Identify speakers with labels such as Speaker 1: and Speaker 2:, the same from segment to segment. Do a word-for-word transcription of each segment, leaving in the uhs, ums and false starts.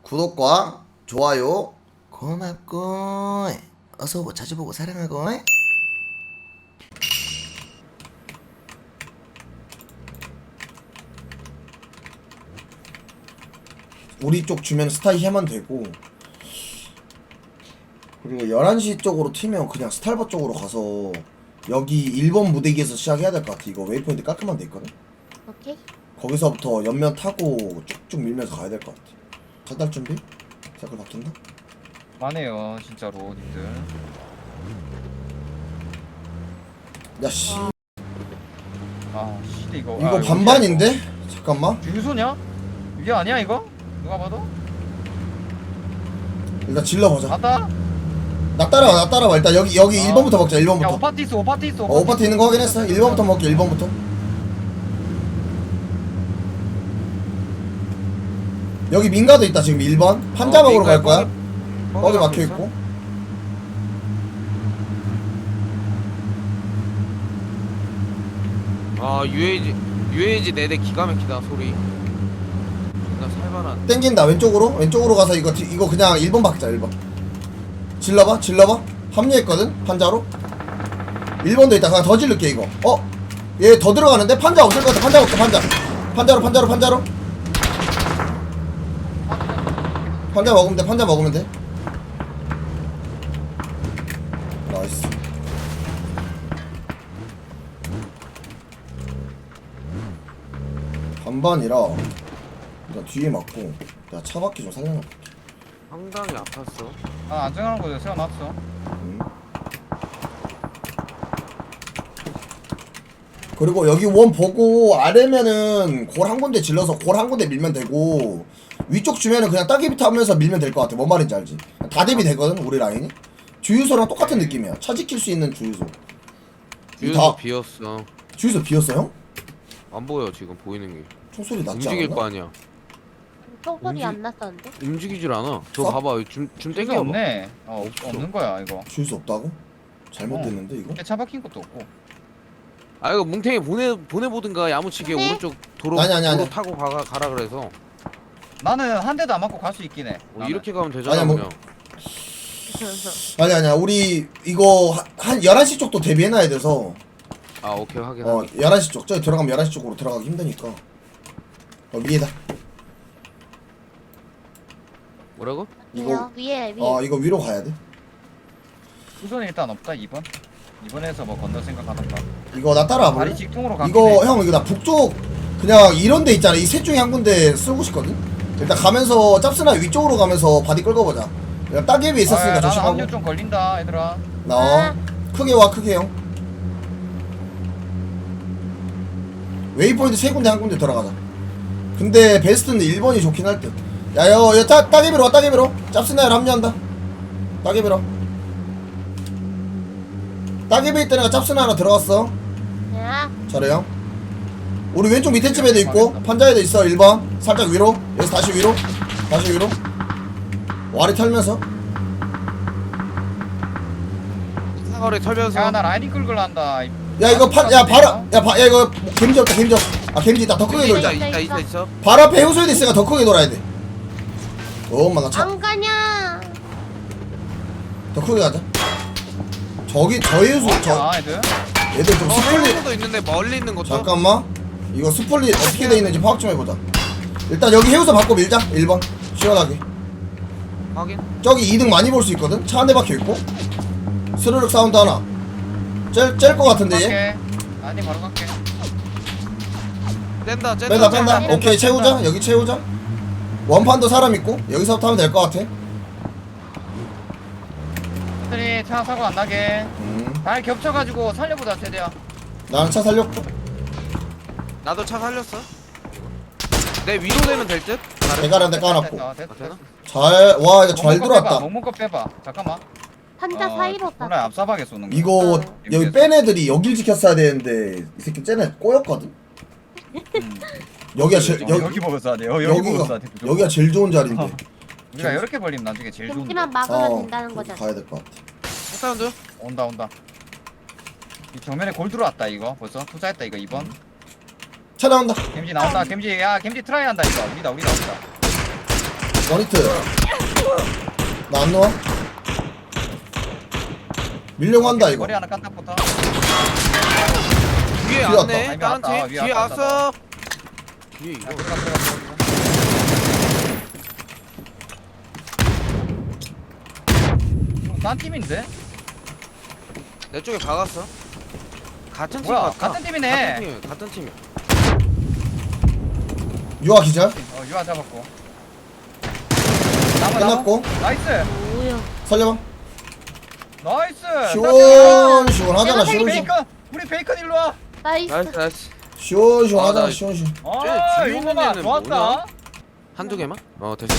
Speaker 1: 구독과 좋아요 고맙고 어서오고 자주보고 사랑하고. 우리 쪽 주면 스타일 하면 되고, 그리고 열한 시 쪽으로 튀면 그냥 스탈버 쪽으로 가서 여기 일 번 무대기에서 시작해야 될 것 같아. 이거 웨이포인트 깔끔한 데 있거든.
Speaker 2: 오케이.
Speaker 1: 거기서부터 옆면 타고 쭉쭉 밀면서 가야 될 것 같아. 탈달 준비? 색깔 바뀐다?
Speaker 3: 많네요 진짜로 님들.
Speaker 1: 야씨
Speaker 3: 아 시대 이거.
Speaker 1: 이거
Speaker 3: 아,
Speaker 1: 반반인데? 잠깐만
Speaker 3: 주유소냐? 이게 아니야 이거? 누가 봐도?
Speaker 1: 일단 질러보자.
Speaker 3: 맞다?
Speaker 1: 나 따라와 나 따라와. 일단 여기 여기
Speaker 3: 아.
Speaker 1: 일 번부터 먹자. 일
Speaker 3: 야
Speaker 1: 번부터.
Speaker 3: 오파티 있어 오파티 있어.
Speaker 1: 어, 오파트 있는 거 확인했어. 일 번부터 먹게. 일 번부터. 여기 민가도 있다. 지금 일 번 판자
Speaker 4: 어,
Speaker 1: 먹으러 갈
Speaker 4: 민가에
Speaker 1: 거야.
Speaker 4: 거기-
Speaker 1: 거기
Speaker 4: 거기
Speaker 1: 막혀
Speaker 4: 있어?
Speaker 1: 있고.
Speaker 4: 아 유에이지 유에이지 네 대 기가 막히다 소리. 존나 살벌한.
Speaker 1: 땡긴다. 왼쪽으로 왼쪽으로 가서 이거 뒤- 이거 그냥 일 번 박자. 일 번 질러봐 질러봐. 합류했거든 판자로. 일 번도 있다. 그냥 더 질를게 이거. 어? 얘 더 들어가는데? 판자 없을 것 같아. 판자 없어. 판자 판자로 판자로 판자로 판자 먹으면 돼. 판자 먹으면 돼. 나이스. 반반이라 일단 뒤에 맞고 내가 차 바퀴 좀 살려놔볼게.
Speaker 4: 상당히 아팠어.
Speaker 3: 아 안정하는 거죠 세워놨어.
Speaker 1: 음. 그리고 여기 원 보고 아래면은 골 한 군데 질러서 골 한 군데 밀면 되고, 위쪽 주면은 그냥 따개비 타면서 밀면 될 것 같아. 뭔 말인지 알지? 다 대비 되거든 우리 라인이. 주유소랑 똑같은 느낌이야. 차 지킬 수 있는 주유소.
Speaker 4: 유에이지
Speaker 1: 다
Speaker 4: 비었어.
Speaker 1: 주유소 비었어 형?
Speaker 4: 안 보여 지금 보이는 게.
Speaker 1: 총소리 났지
Speaker 4: 움직일
Speaker 1: 않았나?
Speaker 4: 거 아니야.
Speaker 2: 총소리
Speaker 4: 움직-
Speaker 2: 안 났었는데?
Speaker 4: 움직이질 않아. 저
Speaker 1: 써?
Speaker 4: 봐봐 줌, 줌
Speaker 3: 주유소
Speaker 4: 땡겨봐.
Speaker 3: 없네. 어 없,
Speaker 4: 없어.
Speaker 3: 없는 거야 이거.
Speaker 1: 주유소 없다고? 잘못됐는데 이거?
Speaker 3: 차 박힌 것도 없고.
Speaker 4: 아 이거 뭉탱이 보내 보내보든가 야무치게
Speaker 2: 네?
Speaker 4: 오른쪽 도로
Speaker 1: 아니, 아니, 아니.
Speaker 4: 도로 타고 가 가라 그래서.
Speaker 3: 나는 한 대도 안 맞고 갈 수 있긴 해.
Speaker 4: 어,
Speaker 3: 나는.
Speaker 4: 이렇게 가면 되잖아
Speaker 1: 아니야, 뭐-
Speaker 4: 그냥.
Speaker 1: 아니 아니야. 우리 이거 한- 한 열한 시 쪽도 대비해놔야 돼서.
Speaker 4: 아 오케이 확인.
Speaker 1: 어
Speaker 4: 확인.
Speaker 1: 열한 시 쪽. 저기 들어가면 열한 시 쪽으로 들어가기 힘드니까. 어 위에다.
Speaker 4: 뭐라고?
Speaker 1: 이거
Speaker 2: 위에 위에.
Speaker 1: 어 이거 위로 가야 돼.
Speaker 3: 우선 일단 없다 이 번. 이번에서 뭐 건너 생각하던가.
Speaker 1: 이거 나 따라와 볼래?
Speaker 3: 다리 직통으로 가.
Speaker 1: 이거 형 이거 나 북쪽 그냥 이런 데 있잖아. 이 셋 중에 한 군데 쓰고 싶거든. 일단 가면서 짭스나 위쪽으로 가면서 바디 끌고 보자. 그냥 따개비 있었으니까
Speaker 3: 나는
Speaker 1: 조심하고.
Speaker 3: 합류 좀 걸린다 얘들아.
Speaker 1: 나 크게 와 크게 형. 웨이포인트 세 군데 한 군데 들어가자. 근데 베스트는 일 번이 좋긴 할 듯. 야여 여 따, 따개비로 와 따개비로. 짭스나를 합류한다. 따개비로. 따개비 있다니까 짭스나 하나 들어갔어.
Speaker 2: 야.
Speaker 1: 잘해요. 우리 왼쪽 밑에 집에도 있고 판자에도 있어. 일 번 살짝 위로. 여기서 다시 위로. 다시 위로. 와리 털면서.
Speaker 4: 사거리 털면서.
Speaker 3: 야나 라이딩 끌고 한다.
Speaker 1: 야 이거 판 야 바로 야, 바, 야 이거 겜지 없다. 겜지 없. 아 겜지 있다. 더 크게
Speaker 4: 있다
Speaker 1: 돌자.
Speaker 4: 있다 있다 있어.
Speaker 1: 발 앞에 해우소에도 있으니까 더 크게 돌아야 돼. 엄마 나 차.
Speaker 2: 안 가냐?
Speaker 1: 더 크게 가자. 저기 저 해우소 저
Speaker 3: 아 애들.
Speaker 1: 얘들 좀
Speaker 4: 어
Speaker 1: 스플릿.
Speaker 4: 해우소도 있는데 멀리 있는 것도.
Speaker 1: 잠깐만. 이거 스플릿 어떻게 돼 있는지 파악 좀 해보자. 일단 여기 해우소 바꿔 밀자. 일 번 시원하게.
Speaker 4: 확인.
Speaker 1: 저기 이 등 많이 볼 수 있거든. 차 한 대 박혀 있고. 스르륵 사운드 하나. 짤짤거 같은데 얘.
Speaker 3: 갈게. 아니 바로 갈게.
Speaker 4: 뺀다 뺀다.
Speaker 1: 뺀다 뺀다.
Speaker 3: 뺀다,
Speaker 1: 오케이
Speaker 3: 뺀다.
Speaker 1: 채우자. 여기 채우자. 원판도 사람 있고 여기서부터 하면 될 것 같아.
Speaker 3: 애들이 차 사고 안 나게.
Speaker 1: 음.
Speaker 3: 잘 겹쳐가지고 살려보자 세대야.
Speaker 1: 나는 차 살렸고.
Speaker 4: 나도 차 살렸어. 내 위로 되면 될 듯?
Speaker 1: 대가리한테 까놨고.
Speaker 3: 됐다, 됐다,
Speaker 4: 아, 되나?
Speaker 3: 됐다.
Speaker 1: 잘 와 이거 잘
Speaker 3: 먹는 거
Speaker 1: 들어왔다.
Speaker 3: 빼봐, 먹는 거 빼봐. 잠깐만.
Speaker 2: 판자
Speaker 3: 어,
Speaker 2: 사이로 가.
Speaker 3: 몰라 앞사박에 쏘는 거.
Speaker 1: 이거
Speaker 3: 어.
Speaker 1: 여기 뺀 애들이 여길 지켰어야 되는데 이 새끼 쟤네 꼬였거든.
Speaker 3: 음.
Speaker 1: 여기가 제일
Speaker 3: 여기,
Speaker 1: 여기
Speaker 3: 여기 먹었어 돼. 여기
Speaker 1: 여기가
Speaker 3: 먹었어 돼.
Speaker 1: 여기가 제일 좋은 자리인데.
Speaker 3: 어. 우리가 이렇게 벌리면 나중에 제일 좋은데.
Speaker 2: gem지만 막으면
Speaker 1: 어
Speaker 2: 된다는
Speaker 1: 그렇게
Speaker 2: 거잖아.
Speaker 1: 가야 될 것 같아.
Speaker 4: 사운드.
Speaker 3: 온다 온다. 이 정면에 골 들어왔다 이거 벌써 투자했다 이거 이 번.
Speaker 1: 차 나온다.
Speaker 3: 겜지 나온다. 겜지 야 겜지 트라이 한다 이거. 우리다 우리다 우리다.
Speaker 1: 원히트. 나 안 놓아? 밀려고 한다 이거.
Speaker 3: 머리 하나 깐딱부터.
Speaker 4: 뒤에
Speaker 1: 뒤에
Speaker 4: 왔네.
Speaker 3: 왔다.
Speaker 4: 다른 팀.
Speaker 3: 위에
Speaker 4: 뒤에
Speaker 3: 왔다,
Speaker 4: 왔어. 뒤에
Speaker 3: 야,
Speaker 4: 이거.
Speaker 3: 들어가 들어가 들어가. 이거 딴 팀인데?
Speaker 4: 내 쪽에 박았어. 같은 팀
Speaker 3: 뭐야?
Speaker 4: 같아.
Speaker 3: 같은 팀이네.
Speaker 4: 같은 팀. 같은 팀이야.
Speaker 1: 유아 기절.
Speaker 3: 어 유아 잡았고. 나무
Speaker 1: 끝났고.
Speaker 3: 나무. 나이스.
Speaker 2: 뭐야?
Speaker 1: 살려봐.
Speaker 3: 나이스.
Speaker 1: 시원 시원하잖아.
Speaker 2: 내가
Speaker 1: 시원 시원.
Speaker 3: 베이컨. 우리 베이컨 일로 와.
Speaker 2: 나이스.
Speaker 4: 나이스 나이스.
Speaker 1: 시원
Speaker 4: 아,
Speaker 1: 시원하잖아.
Speaker 4: 나-
Speaker 1: 시원 시원.
Speaker 3: 아
Speaker 4: 뒤에 있는
Speaker 3: 이거만
Speaker 4: 애는
Speaker 3: 좋았다.
Speaker 4: 뭐냐? 한두 개만? 어 됐어.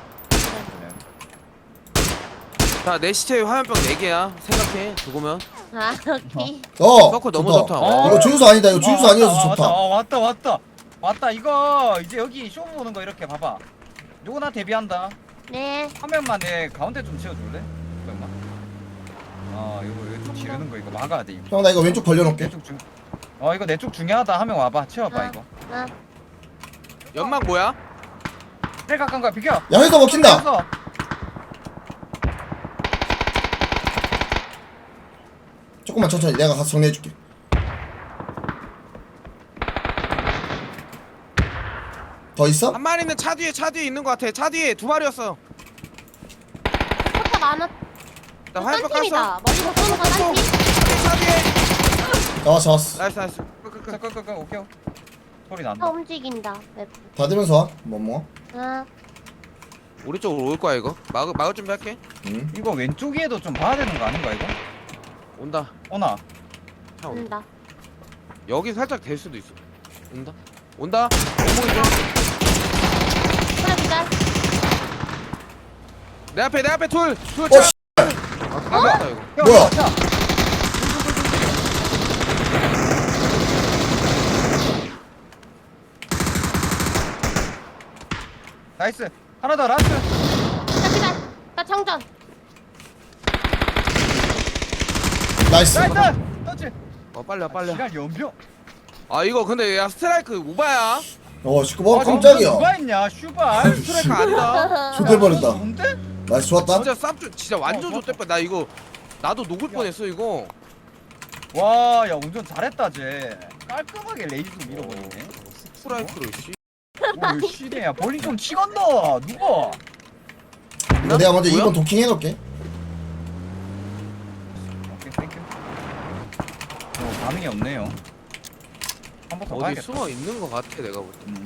Speaker 4: 자 내 시체에 화염병 네 개야. 생각해. 죽으면.
Speaker 2: 아 오케이.
Speaker 1: 어.
Speaker 4: 서클 너무 좋다.
Speaker 3: 어.
Speaker 1: 이거 주유소 아니다. 이거 주유소
Speaker 3: 어,
Speaker 1: 아니어서
Speaker 3: 왔다,
Speaker 1: 좋다.
Speaker 3: 왔다, 어, 왔다 왔다 왔다 이거 이제 여기 쇼 보는 거 이렇게 봐봐. 누구나 데뷔한다.
Speaker 2: 네.
Speaker 3: 한 명만 내 가운데 좀 치워줄래? 잠깐만. 아 이거 이거 좀 지르는 거 이거 막아야 돼 이거.
Speaker 1: 형 나 이거 왼쪽 벌려놓을게.
Speaker 3: 내쪽 중. 어 이거 내 쪽 중요하다. 한 명 와봐. 치워봐
Speaker 2: 아.
Speaker 3: 이거.
Speaker 2: 아
Speaker 4: 연막 뭐야?
Speaker 3: 제일 가까운 거야 비켜.
Speaker 1: 야 회사 먹힌다.
Speaker 3: 서
Speaker 1: 조금만 천천히 내가 가서 정리해줄게. 더 있어?
Speaker 4: 한 마리는 차 뒤에 차 뒤에 있는 것 같아. 차 뒤에 두 마리였어.
Speaker 2: 포탑 많아.
Speaker 4: 나
Speaker 2: 딴
Speaker 4: 화염병 깠어.
Speaker 2: 팀이다. 머리로 쏘는 거딴 팀.
Speaker 4: 차 뒤에.
Speaker 1: 잡았어 잡았어.
Speaker 4: 나이스 나이스. 끄끄끄.
Speaker 3: 끄끄끄 오케이. 소리
Speaker 2: 다
Speaker 3: 난다.
Speaker 2: 움직인다. 맵.
Speaker 1: 닫으면서 와. 뭐뭐.
Speaker 2: 아
Speaker 4: 우리 쪽으로 올 거야 이거. 막을 막을 준비할게.
Speaker 1: 응.
Speaker 3: 이거 왼쪽에도 좀 봐야 되는 거 아닌가 이거?
Speaker 4: 온다.
Speaker 3: 오나.
Speaker 4: 차 온다.
Speaker 2: 온다.
Speaker 4: 여기 살짝 될 수도 있어. 온다. 온다. 오목이죠.
Speaker 2: 하나 기절.
Speaker 4: 내 앞에 내 앞에 둘. 둘
Speaker 1: 어
Speaker 4: 차.
Speaker 1: 씨.
Speaker 4: 아, 가볍다 이거.
Speaker 3: 형,
Speaker 1: 뭐야?
Speaker 3: 자, 나이스. 하나 더 라스트.
Speaker 2: 나 기절. 나 정전.
Speaker 1: 나이스.
Speaker 3: 나이스. 터치.
Speaker 4: 어 빨리 와 빨리 와.
Speaker 3: 시간 연병.
Speaker 4: 아 이거 근데 야 스트라이크 오바야.
Speaker 1: 어 시끄러워.
Speaker 3: 아,
Speaker 1: 깜짝이야.
Speaker 3: 누가 했냐? 슈발.
Speaker 4: 스트라이크 아니다.
Speaker 1: 좋될 뻔했다.
Speaker 3: 뭔데?
Speaker 1: 나이스 좋았다.
Speaker 4: 진짜 쌉 진짜 완전
Speaker 3: 어,
Speaker 4: 좋대 뻔. 나 이거 나도 녹을 뻔했어 이거.
Speaker 3: 와, 야 운전 잘했다 쟤. 깔끔하게 레이스 밀어버리네.
Speaker 4: 스트라이크로 씨.
Speaker 3: 오, 씨네야. 볼링 좀 치건너. 누가?
Speaker 1: 이거 내가 먼저
Speaker 4: 뭐야?
Speaker 1: 이 번 도킹 해놓을게.
Speaker 3: 오케이, 땡큐. 어, 반응이 없네요. 한 번 더
Speaker 4: 어디
Speaker 3: 봐야겠다.
Speaker 4: 숨어 있는 것 같아 내가 볼 때.
Speaker 3: 음.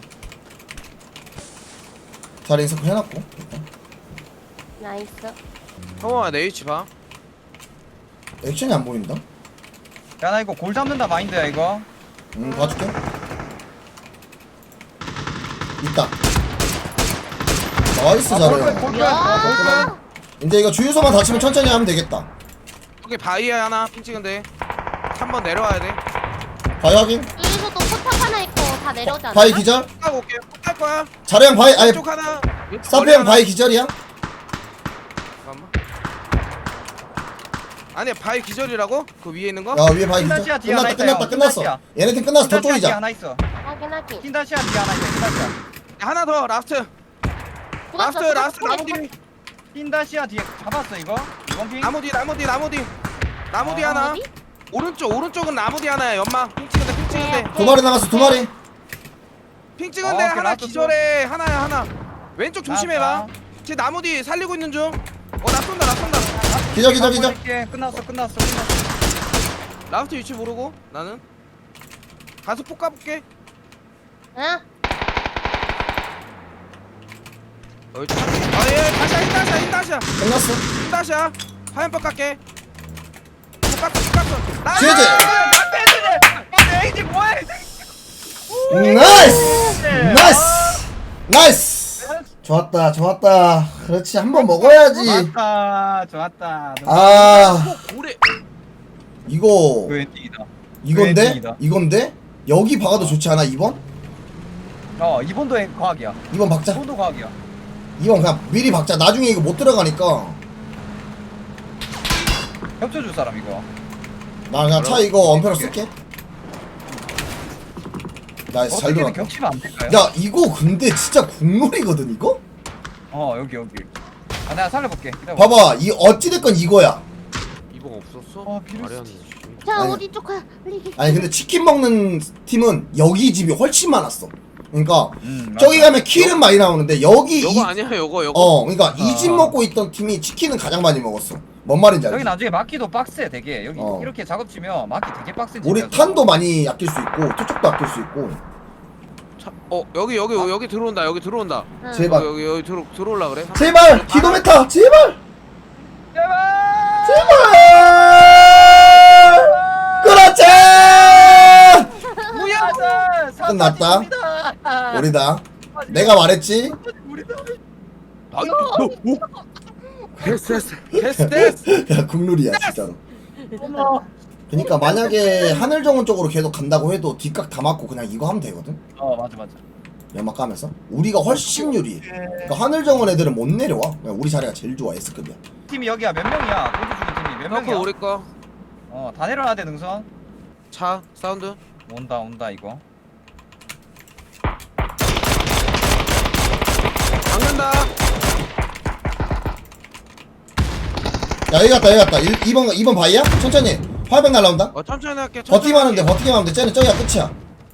Speaker 1: 자리 인서클 해놨고. 일단.
Speaker 2: 나이스.
Speaker 4: 형아 내 위치 봐.
Speaker 1: 액션이 안 보인다.
Speaker 3: 야, 나 이거 골 잡는다 마인드야 이거.
Speaker 1: 응 봐줄게. 있다. 나이스
Speaker 3: 아,
Speaker 1: 잘해.
Speaker 3: 골, 골, 골. 어, 골, 골.
Speaker 2: 야.
Speaker 1: 이제 이거 주유소만 닫히면 천천히 하면 되겠다.
Speaker 4: 여기 바위에 하나 핀 찍은데. 한 번 내려와야 돼.
Speaker 1: 바위 확인.
Speaker 2: 여기서도 포탑 하나 있고 다 내려오지 않나?
Speaker 1: 바위 기절.
Speaker 4: 하고 올게. 할 거야.
Speaker 1: 자량 바위 아니
Speaker 4: 왼쪽 하나.
Speaker 1: 사페 형 바위 기절이야.
Speaker 4: 잠깐만. 아니 바위 기절이라고? 그 위에 있는 거?
Speaker 1: 야 위에 바위 기절.
Speaker 3: 흰다시아 뒤에
Speaker 1: 끝났다
Speaker 3: 하나 있다,
Speaker 1: 끝났다
Speaker 3: 형.
Speaker 1: 끝났어.
Speaker 3: 흰다시아.
Speaker 1: 얘네 팀 끝났어.
Speaker 3: 흰다시아 뒤에
Speaker 1: 저쪽이자.
Speaker 3: 하나 있어.
Speaker 2: 확인 확인.
Speaker 3: 흰다시아 뒤에 하나 있어. 흰다시아.
Speaker 4: 야, 하나 더 라스트. 라스트 라스트 나무 뒤.
Speaker 3: 흰다시아 뒤에 잡았어 이거. 이번 핑.
Speaker 4: 나무 뒤 나무 뒤 나무 뒤. 나무 뒤
Speaker 3: 아,
Speaker 4: 하나.
Speaker 2: 어디?
Speaker 4: 오른쪽 오른쪽은 나무 뒤 하나야. 연막. 핑 찍은데 핑 찍은데.
Speaker 1: 두 마리 남았어 두 마리.
Speaker 4: 핑 찍은데
Speaker 3: 어,
Speaker 4: 하나
Speaker 3: 라스트
Speaker 4: 기절해. 하나야 하나. 왼쪽 조심해봐.
Speaker 3: 나왔다.
Speaker 4: 쟤 나무 뒤 살리고 있는 중. 어 나 쏜다 나 쏜다.
Speaker 1: 기절 기절 기절.
Speaker 3: 보낼게. 끝났어 끝났어 끝났어.
Speaker 4: 라스트 위치 모르고 나는 가서 폭 까볼게.
Speaker 2: 응?
Speaker 4: 어, 참- 아, 예, 다시야, 흰다시야, 흰다시야,
Speaker 1: 끝났어.
Speaker 4: 흰다시야. 화염병 깎게. 폭 깎어, 폭 깎어. 나!
Speaker 1: 제재.
Speaker 3: 나 에이지 뭐해?
Speaker 1: 나이스. 나이스. 나이스. 좋았다 좋았다. 그렇지 한 번 먹어야지.
Speaker 3: 좋았다 좋았다.
Speaker 1: 아
Speaker 4: 폭 고래.
Speaker 1: 이거
Speaker 3: 그 엔딩이다.
Speaker 1: 이건데
Speaker 3: 웬일이다.
Speaker 1: 이건데 여기 박아도 좋지 않아? 이 번?
Speaker 3: 어 이번도 과학이야.
Speaker 1: 이 번 박자.
Speaker 3: 이번도 과학이야.
Speaker 1: 이 번 그냥 미리 박자. 나중에 이거 못 들어가니까
Speaker 3: 겹쳐줄 사람 이거.
Speaker 1: 나 그냥 차 이거 엄폐로 쓸게. 나이스 잘
Speaker 3: 어떻게든
Speaker 1: 들어갔다.
Speaker 3: 겹치면 안 될까요?
Speaker 1: 야 이거 근데 진짜 국룰이거든 이거?
Speaker 3: 어 어 여기 여기. 아 내가 살려볼게. 기다려봐.
Speaker 1: 봐봐 이 어찌됐건 이거야.
Speaker 4: 이번 없었어?
Speaker 3: 어, 비루스.
Speaker 4: 말이 안 돼.
Speaker 2: 자
Speaker 1: 아니.
Speaker 2: 어디 쪽 가야 빨리.
Speaker 1: 아니 근데 치킨 먹는 팀은 여기 집이 훨씬 많았어. 그러니까
Speaker 3: 음,
Speaker 1: 저기
Speaker 3: 맞아.
Speaker 1: 가면 킬은 많이 나오는데 여기
Speaker 4: 요거
Speaker 1: 이,
Speaker 4: 아니야 요거 요거.
Speaker 1: 어 그러니까 이 집
Speaker 3: 어.
Speaker 1: 먹고 있던 팀이 치킨은 가장 많이 먹었어. 뭔 말인지
Speaker 3: 여기
Speaker 1: 알지?
Speaker 3: 나중에 막기도 빡세 되게. 여기
Speaker 1: 어.
Speaker 3: 이렇게 작업치면 막기 되게 빡세.
Speaker 1: 우리
Speaker 3: 집이라서.
Speaker 1: 탄도 많이 아낄 수 있고 투척도 아낄 수 있고.
Speaker 4: 차, 어 여기 여기 여기 들어온다 여기 들어온다.
Speaker 2: 응.
Speaker 1: 제발.
Speaker 4: 여기 여기, 여기 들어 들어올라 그래?
Speaker 1: 제발 기도메타 제발
Speaker 3: 제발.
Speaker 1: 제발 그렇지
Speaker 3: 뭐야?
Speaker 1: 끝났다. 우리다. 내가 말했지.
Speaker 3: 우리다.
Speaker 4: 아니 너 뭐? 됐어 됐어 됐어 됐어.
Speaker 1: 야 국룰이야 진짜로.
Speaker 3: 어머.
Speaker 1: 그러니까 만약에 하늘정원 쪽으로 계속 간다고 해도 뒷각 다 맞고 그냥 이거 하면 되거든.
Speaker 3: 어 맞아 맞아.
Speaker 1: 연막 까면서 우리가 훨씬 유리해. 그러니까 하늘정원 애들은 못 내려와. 그냥 우리 자리가 제일 좋아. S급이야.
Speaker 3: 팀이 여기야 몇 명이야? 골드 주는 팀이 몇
Speaker 4: 그
Speaker 3: 명이야?
Speaker 4: 우리 거.
Speaker 3: 어다 내려놔야 돼 능선.
Speaker 4: 차 사운드.
Speaker 3: 온다 온다 이거.
Speaker 4: 박는다.
Speaker 1: 야 여기 갔다 여기 갔다. 이 번 이 번 바이야? 천천히. 화백 날라온다.
Speaker 4: 어 천천히 할게. 천천히
Speaker 1: 버티기만 하면 돼.
Speaker 4: 할게.
Speaker 1: 버티기만 하면 돼. 쟤는 저기가 끝이야.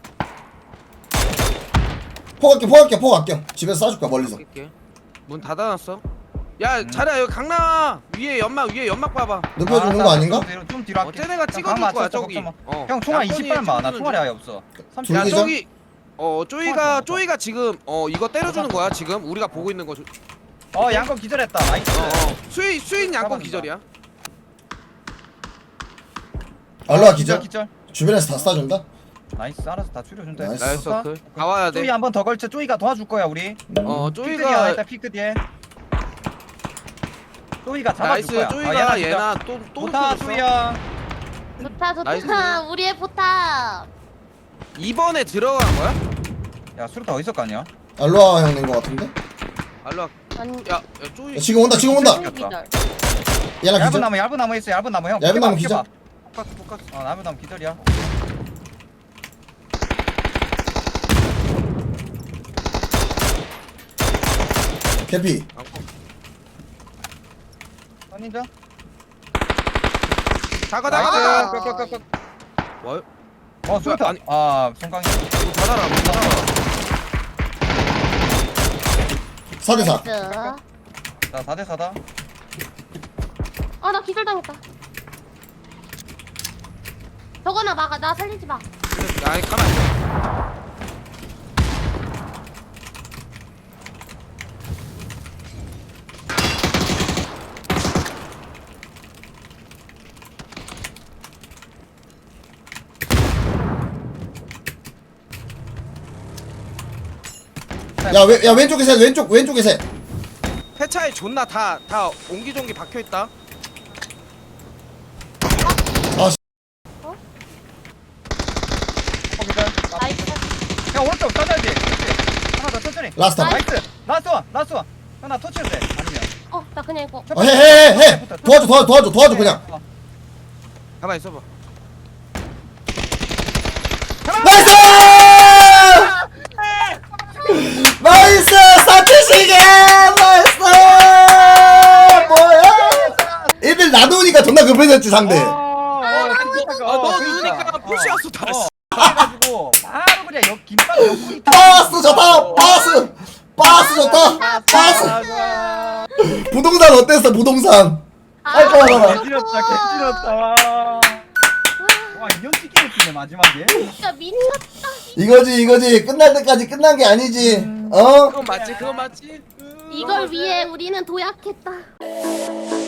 Speaker 1: 포갈게 포갈게 포갈게. 집에서 쏴줄 거야 멀리서.
Speaker 4: 할게. 문 닫아놨어. 야
Speaker 3: 음.
Speaker 4: 자리야 여기 강남아 위에 연막 위에 연막 봐봐.
Speaker 1: 눕혀주는
Speaker 3: 아,
Speaker 1: 거
Speaker 3: 좀
Speaker 1: 아닌가?
Speaker 3: 뒤로, 좀 뒤로
Speaker 4: 어
Speaker 3: 할게.
Speaker 4: 쟤네가
Speaker 3: 형,
Speaker 4: 찍어줄
Speaker 3: 강
Speaker 4: 거야
Speaker 3: 맞췄어,
Speaker 4: 저기.
Speaker 3: 걱정 마.
Speaker 4: 어.
Speaker 3: 형 총알
Speaker 4: 약간이
Speaker 3: 이십 발만 나
Speaker 4: 찍어주는
Speaker 3: 총알이
Speaker 4: 중.
Speaker 3: 아예 없어. 삼십
Speaker 1: 둘
Speaker 4: 야
Speaker 1: 둘이죠?
Speaker 4: 저기 어 쪼이가
Speaker 3: 좋아, 좋아.
Speaker 4: 쪼이가 지금 어 이거 때려주는 거야 지금 우리가 보고 있는 거. 조-
Speaker 3: 어 양껏 기절했다. 나이스.
Speaker 4: 어, 어. 수인 수인 양권
Speaker 3: 잡아준다.
Speaker 4: 기절이야.
Speaker 1: 알로아 기절.
Speaker 3: 기절.
Speaker 1: 주변에서 다 쏴준다.
Speaker 3: 나이스 알아서 다 줄여준다.
Speaker 1: 나이스.
Speaker 4: 나이스
Speaker 3: 좋다.
Speaker 4: 서클. 다 와야 돼.
Speaker 3: 쪼이 한 번 더 걸쳐. 쪼이가 도와줄 거야 우리.
Speaker 4: 어
Speaker 3: 피크 뒤에
Speaker 4: 쪼이가
Speaker 3: 일단 피크 뒤에. 쪼이가 잡아줄
Speaker 4: 나이스
Speaker 3: 거야.
Speaker 4: 쪼이가
Speaker 3: 아,
Speaker 4: 얘나 또또
Speaker 3: 좋다 쪼이야.
Speaker 2: 좋다 좋다.
Speaker 4: 나이스.
Speaker 2: 우리의 포탑.
Speaker 4: 이번에 들어간 거야?
Speaker 3: 야 수류탄 어디서 깠냐?
Speaker 1: 알로아 형 낸 거 같은데?
Speaker 4: 알로.
Speaker 2: 아니.
Speaker 4: 야, 야 쪼이.
Speaker 1: 야, 지금 온다 지금 온다.
Speaker 2: 기절.
Speaker 1: 얘나
Speaker 3: 얇은
Speaker 1: 기절.
Speaker 3: 나무 얇은 나무 있어. 얇은 나무 형.
Speaker 1: 얇은
Speaker 3: 피해봐,
Speaker 1: 나무
Speaker 3: 피해봐.
Speaker 1: 기절.
Speaker 4: 포카스 포카스.
Speaker 3: 어 얇은 나무 기절이야.
Speaker 1: 개피.
Speaker 3: 선인자.
Speaker 4: 다가
Speaker 3: 나이스.
Speaker 4: 다가.
Speaker 3: 끄, 끄, 끄, 끄.
Speaker 4: 와,
Speaker 3: 어 수류탄.
Speaker 4: 아니.
Speaker 3: 아 송강이.
Speaker 4: 이거 닫아라, 문 닫아라.
Speaker 1: 사 대 사.
Speaker 2: 나이스.
Speaker 3: 자 사 대 사다.
Speaker 2: 아나 기절 당했다. 저거나 막아. 나 살리지 마.
Speaker 4: 아니 가만.
Speaker 1: 야, 왼, 야 왼쪽에 셋 왼쪽 왼쪽에 셋.
Speaker 4: 폐차에 존나 다 다 옹기종기 박혀 있다.
Speaker 1: 아 씨.
Speaker 3: 어 기절.
Speaker 2: 나이스.
Speaker 3: 야 오른쪽 따져야지. 그렇지. 하나 더 천천히.
Speaker 1: 라스트 한 번.
Speaker 3: 나이스. 라스트 원. 라스트 원. 하나 터치해도 돼. 아니면.
Speaker 2: 어 나 그냥 이거.
Speaker 1: 어, 해, 해, 해, 해. 도와줘, 도와줘, 도와줘, 도와줘, 그냥.
Speaker 3: 어.
Speaker 4: 가만 있어봐.
Speaker 1: 나이스! 나이스! 사치시계! 나이스! 뭐야? 애들 나누니까 존나 급해졌지, 상대.
Speaker 3: 어, 어, 그러니까.
Speaker 4: 아, 너
Speaker 3: 어,
Speaker 4: 누우니까
Speaker 3: 그러니까.
Speaker 4: 푸시였어, 다,
Speaker 3: 어,
Speaker 4: 씨.
Speaker 3: 그래가지고 바로 그냥 옆 김밥 옆구리
Speaker 1: 바스 좋다! 바스! 바스 좋다! 바스!
Speaker 3: 아,
Speaker 1: 부동산 어땠어, 부동산? 아이, 좋아, 좋아.
Speaker 3: 개지렸다 개지렸다 와 인형 찍기를 치네 마지막에
Speaker 2: 진짜 미쳤다.
Speaker 1: 이거지, 이거지. 끝날 때까지 끝난 게 아니지. 어?
Speaker 4: 그건 맞지, 그건 맞지.
Speaker 2: 이걸 위해 우리는 도약했다.